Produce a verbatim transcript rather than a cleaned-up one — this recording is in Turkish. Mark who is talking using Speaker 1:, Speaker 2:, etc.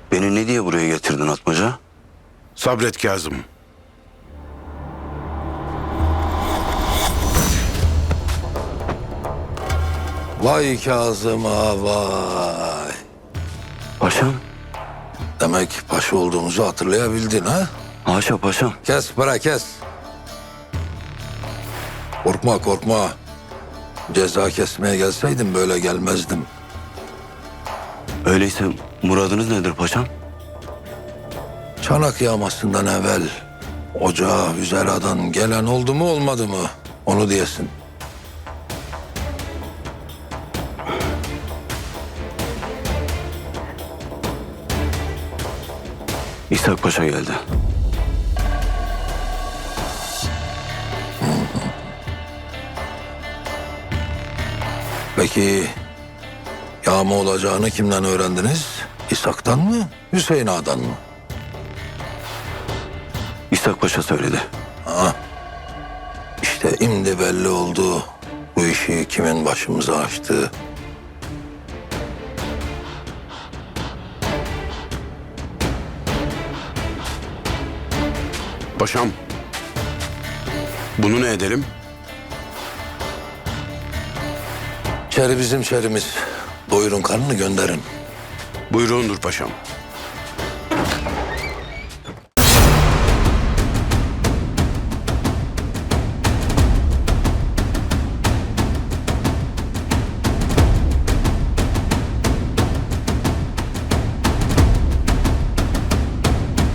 Speaker 1: Beni ne diye buraya getirdin Atmaca?
Speaker 2: Sabret Kazım.
Speaker 3: Vay Kazım ağa vay.
Speaker 1: Paşam.
Speaker 3: Demek paşa olduğumuzu hatırlayabildin ha?
Speaker 1: Haşa paşam.
Speaker 3: Kes bırak kes. Korkma korkma. Ceza kesmeye gelseydim böyle gelmezdim.
Speaker 1: Öyleyse muradınız nedir paşam?
Speaker 3: Çanak yağmasından evvel ocağa Hüzera'dan gelen oldu mu olmadı mı? Onu diyesin.
Speaker 1: İshak Paşa geldi.
Speaker 3: Peki yağma olacağını kimden öğrendiniz? İshak'tan mı? Hüseyin Ağa'dan mı?
Speaker 1: İshak Paşa söyledi.
Speaker 3: İşte şimdi belli oldu bu işi kimin başımıza açtığı.
Speaker 2: Paşam. Bunu ne edelim?
Speaker 3: Çeri bizim çerimiz. Doyurun karnını gönderin.
Speaker 2: Buyruğundur paşam.